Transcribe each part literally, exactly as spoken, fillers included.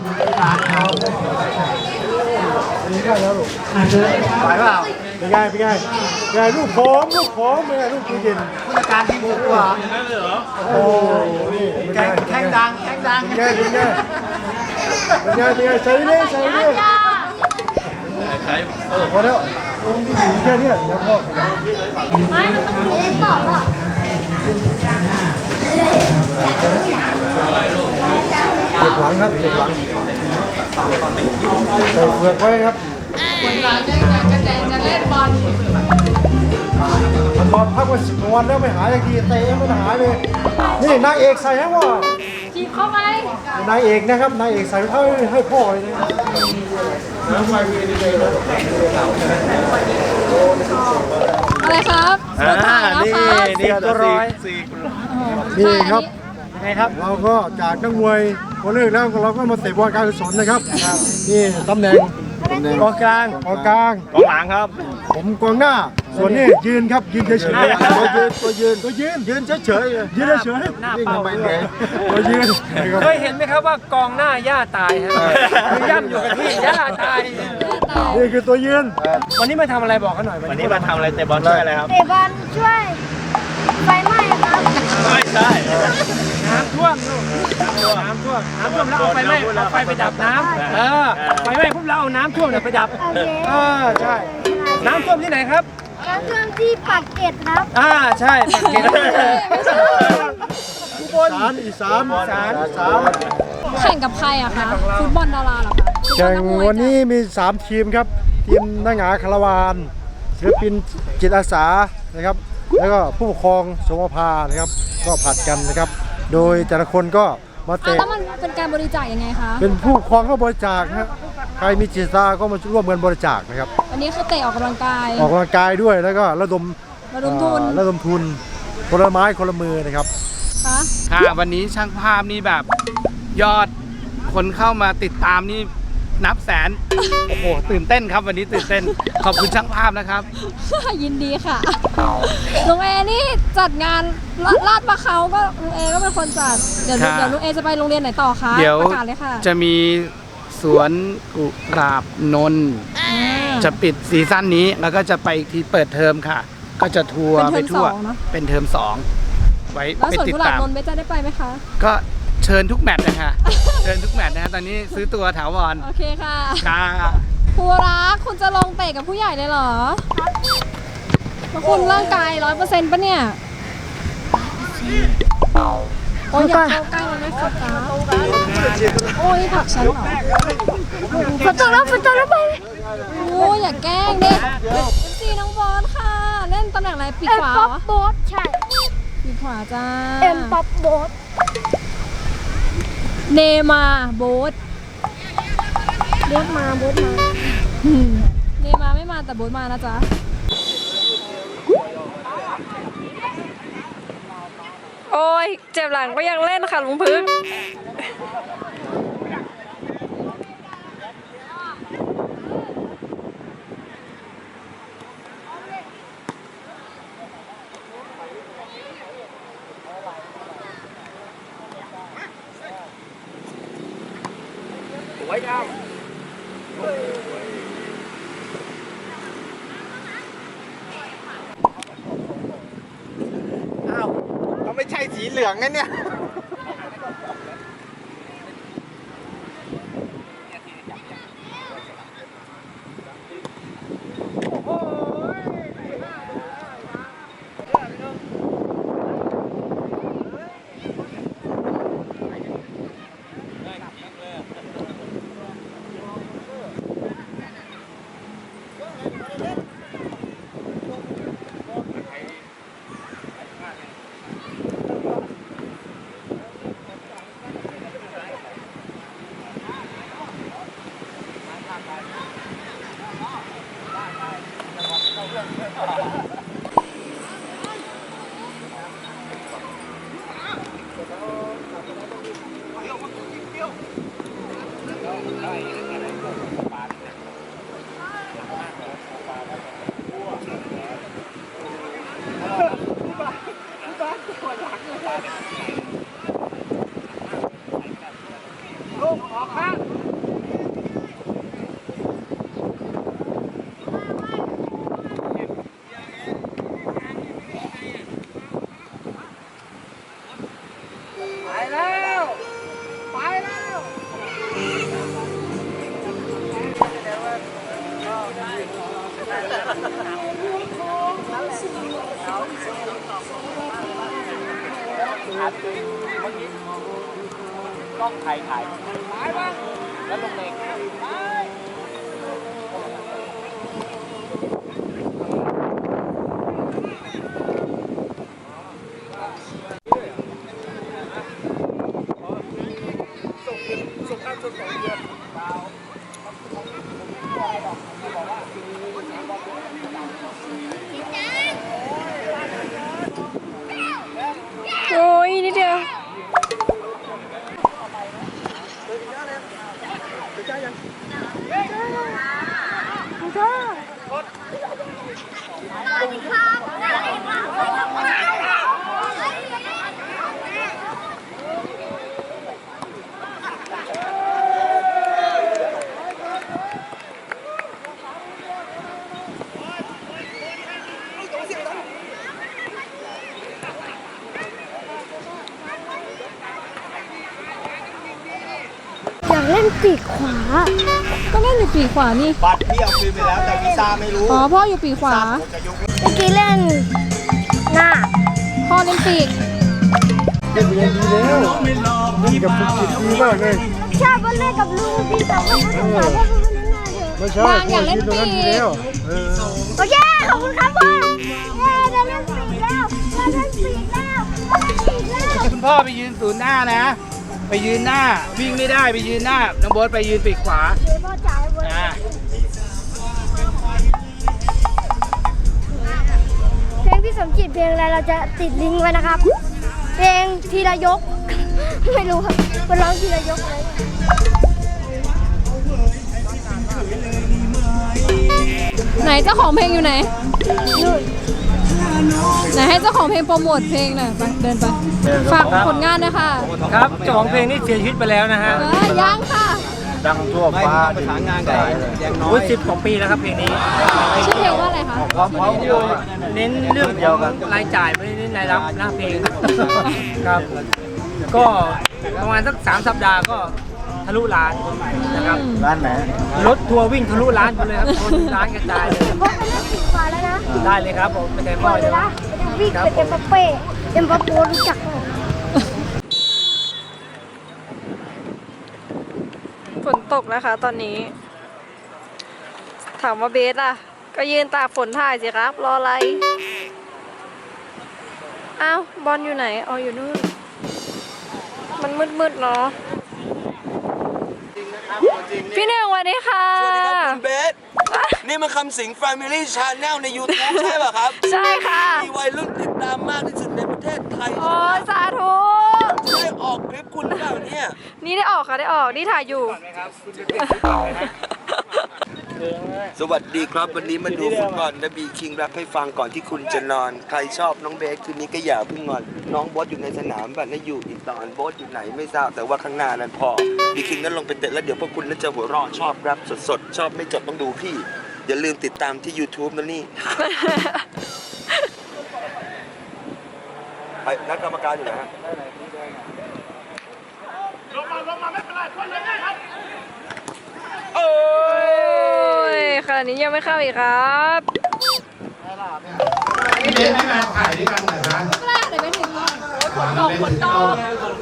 นี่ได้แล้วลูกไหวเปล่าเป็นไงเป็นไงเป็นไงลูกพร้อมลูกพร้อมเป็นไงลูกตู้เย็นผู้จัดการทีมสุดกว่าโอ้นี่แข่งแข่งดังแข่งดังเป็นไงเป็นไงเป็นไงเป็นไงใส่เลยใส่เลยใส่พอแล้วแค่นี้แล้วก็ไม่มันต้องเล่นต่อป่ะเด็กหลังครับเด็กหลังใส่เปลือกไว้ครับคนหลังจะจะจะเล่นบอลมันนอนพักมาสิบวันแล้วไม่หายสักทีเตะไม่หายเลยนี่นางเอกใส่ให้ว่าจีบเข้าไปนางเอกนะครับนางเอกใส่ให้ให้พ่อเลยนะอะไรครับอ่านี่นี่ก็ร้อยนี่ครับไงครับเราก็จากนักมวยพอเลิกแล้วเราก็มาเตะบอลการกุศลนะครับนี่ตำแหน่งกองกลางกองกลางกองหลังครับผมกองหน้าส่วนนี้ยืนครับยืนเฉยๆตัวยืนตัวยืนตัวยืนยืนเฉยๆยืนเฉยๆนี่ทำไมเลยตัวยืนเคยเห็นไหมครับว่ากองหน้าย่าตายฮะย่ำอยู่กับที่ย่าตายนี่คือตัวยืนวันนี้มาทำอะไรบอกเขาหน่อยวันนี้มาทำอะไรเตะบอลช่วยอะไรครับเตะบอลช่วยไฟไหม้ครับไม่ใช่น้ำท่วมลูกน้ำท่วมน้ำท่วมแล้วเอาไฟไหม้เอาไฟไปดับน้ำเออไฟไหม้ปุ๊บเราเอาน้ำท่วมเนี่ยไปดับเออใช่น้ำท่วมที่ไหนครับน้ำท่วมที่ปากเกร็ดครับอ่าใช่ปากเกร็ดอุบลอีสานอีสานอีสานแข่งกับใครอะคะฟุตบอลดาราเหรอคะแข่งวันนี้มีสามทีมครับทีมนักหงาคาราวานศิลปินจิตอาสานะครับแล้วก็ผู้ปกครองสมภานะครับก็ผัดกันนะครับโดยแต่ละคนก็มาเตะแล้วมันเป็นการบริจาคยังไงคะเป็นผู้ปกครองก็บริจาคนะใครมีจิตอาสาก็มาร่วมกันบริจาคนะครับวันนี้คือเตะออกกำลังกายออกกำลังกายด้วยแล้วก็ระดมระดมทุนระดมทุนคนละไม้คนละมือนะครับค่ะวันนี้ช่างภาพนี่แบบยอดคนเข้ามาติดตามนี่นับแสนโอ้โหตื่นเต้นครับวันนี้ตื่นเต้นขอบคุณช่างภาพนะครับยินดีค่ะลุงเอนี่จัดงานลาดปลาเขาก็ลุงเอก็เป็นคนจัดเดี๋ยวเดี๋ยวลุงเอจะไปโรงเรียนไหนต่อคะเดี๋ยวประกาศเลยค่ะจะมีสวนกุหลาบนนท์จะปิดซีซั่นนี้แล้วก็จะไปอีกทีเปิดเทอมค่ะ ก็จะทัวร์ไปทั่วเป็นเทอมสองไว้ไปติดตามแล้วสวนกุหลาบนนท์เบสจะได้ไปไหมคะก็เชิญทุกแมตช์นะคะเชิญทุกแมตช์นะฮะตอนนี้ซื้อตัวถาวรโอเคค่ะค่ะครูรักคุณจะลงเตะกับผู้ใหญ่เลยเหรอมาคุณร่างกายร้อยเปอร์เซ็นต์ปะเนี่ยโอ้ยอย่าเข้าใกล้มันไม่โฟกัสโอ้ยผักฉันเหรอฝนตกแล้วฝนตกแล้วไปโอ้ยอย่าแกล้งเด็กเอฟซีน้องบอลค่ะเล่นตำแหน่งอะไรปีกขวาเหรอโบ๊ทใช่ปีกขวาจ้าเอ็มป๊อปโบ๊ทเนมาโบ๊ทโบ๊ทมาโบ๊ทมาเนมาไม่มาแต่โบ๊ทมานะจ๊ะโอ้ยเจ็บหลังก็ยังเล่นค่ะลุงพึ่งไว้ครับอ้าวเขาไม่ใช่สีเหลืองนะเนี่ยลูกออกข้างกล้องถ่ายถ่ายแล้วลงเองโอ้ยนิดเดียวอยากเล่นปีกขวาก็เล่นอยู่ปีกขวานี่บัตรพี่เอาคืนไปแล้วแต่วีซ่าไม่รู้อ๋อพ่ออยู่ปีกขวาจะยกเมื่อกี้เล่นหน้าพ่อเล่นปีกเล่นอย่างดีแล้วเล่นกับภูกิจดีมากเลยชอบเล่นกับลูกพี่แต่ว่าเขาต้องการให้เขาเล่นหน้าเถอะไม่ใช่พ่อคิดตรงนั้นดีแล้วเออโอเคขอบคุณครับพ่อเย้ได้เล่นปีกแล้วได้เล่นปีกแล้วได้เล่นปีกแล้วคุณพ่อไปยืนศูนย์หน้านะ ไปยืนหน้าวิ่งไม่ได้ไปยืนหน้าน้องโบ๊ทไปยืนปีกขวาเดี๋ยวพ่อจ่ายไว้อ่าเพลงพี่สมจิตเพลงอะไรเราจะติดลิงก์ไว้นะครับ เพลงทีละยก ไม่รู้ครับมันร้องทีละยกเลยไหนเจ้าของเพลงอยู่ไหนนู่นไหนให้เจ้าของเพลงโปรโมทเพลงหน่อยไปเดินไป ฝากผลงานหนะคะครับเจ้าของเพลงนี่เสียชีวิตไปแล้วนะฮะเออยังค่ะดังทั่วฟ้าประสานงานกับยังน้อยสิบกว่าปีแล้วครับเพลงนี้ชื่อเพลงว่าอะไรคะความพร้อมเดียวเน้นเรื่องของรายจ่ายไม่ได้เน้นรายรับหน้าเพลงครับ ก็ประมาณสักสามสัปดาห์ก็ทะลุล้านนะครับร้านไหนรถทัวร์วิ่งทะลุล้านไปเลยครับคนล้านกระจายเลยพ่อไปเล่นปีกขวาแล้วนะได้เลยครับผมเป็นไงปพ่ล่ออยเลเลย ยนะนะวิ่งเป็นเอ็มบัปเป้เอ็มบัปโปรู้จักไหมฝนตกนะคะตอนนี้ ถามว่าเบสล่ะ ก็ยืนตากฝนถ่ายสิครับ รออะไร อ้าว บอลอยู่ไหนอ๋ออยู่นู่น มันมืดๆเนาะพี่หนึ่งสวัสดีค่ะสวัสดีครับคุณเบส นี่มันคำสิง Family Channel ใน YouTube ใช่ป่ะครับใช่ค่ะมีวัยรุ่นติดตามมากที่สุดในประเทศไทยโอ้ยสาธุจะได้ออกคลิปคุณหรือเปล่าเนี่ยนี่ได้ออกค่ะได้ออก นี่ถ่ายอยู่สวัสดีครับ วันนี้มาดูฟุตบอลนะบีคิงแรปให้ฟังก่อนที่คุณจะนอน ใครชอบน้องเบสคืนนี้ก็อย่าเพิ่งนอน น้องโบ๊ทอยู่ในสนามแบบนั้นอยู่อีกตอนโบ๊ทอยู่ไหนไม่ทราบแต่ว่าข้างหน้านั้นพอบีคิงนั้นลงไปเตะแล้วเดี๋ยวพวกคุณน่าจะหัวเราะชอบแรปสดๆ ชอบไม่จบต้องดูพี่ อย่าลืมติดตามที่ YouTube นะนี่ ไอ้นักกรรมการอยู่ไหนฮะโอ้ยขนาดนี้ยังไม่เข้าอีกครับพี่เบนไม่มาถ่ายด้วยกันเหรอคะแรกเลยไม่ถึงฝนตกฝนตก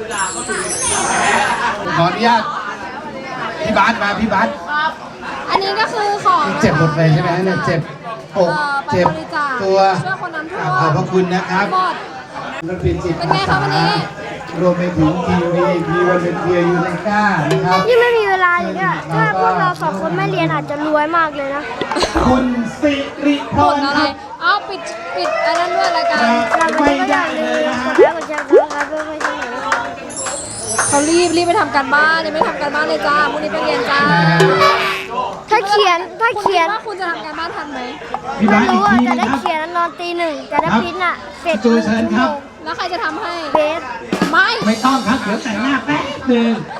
ขออนุญาตพี่บาสมาพี่บาสอันนี้ก็คือของเจ็บหมดเลยใช่ไหมเนี่ยเจ็บอกเอ่อไปเจ็บบริจาคตัวช่วยคนน้ำท่วมขอบพระคุณนะครับหมดนักเรียนจิตเป็นไงคะวันนี้รวมไปถึงทีวีพีวันเป็นเทียยูในก้านะครับนี่ไม่มีเวลาเลยเนี่ยถ้าพวกเราสองคนไม่เรียนอาจจะรวยมากเลยนะคุณสิริพผลรอะคไรรับเอาปิดปิดอันนั้นด้วยรายการเราไม่ได้เลยนะกดไลค์กดแชร์กดซับสไครบ์เพื่อไม่ให้หนูเขารีบรีบไปทำการบ้านยังไม่ทำการบ้านเลยจ้าพรุ่งนี้ไปเรียนจ้าถ้าเขียนถ้าคุณเขียคินดว่าคุณจะทำการบ้านทันไหมพี่ไม่บาสอีรู้กอ่ะทีแต่นะได้ครับเขียนนอนตีหนึ่งแต่ได้พิมพ์อ่ะเสร็จตัวเชิญครับแล้วใครจะทำให้เบสไม่ไม่ต้องครับเดี๋ยวแต่งหน้าแป๊บหนึง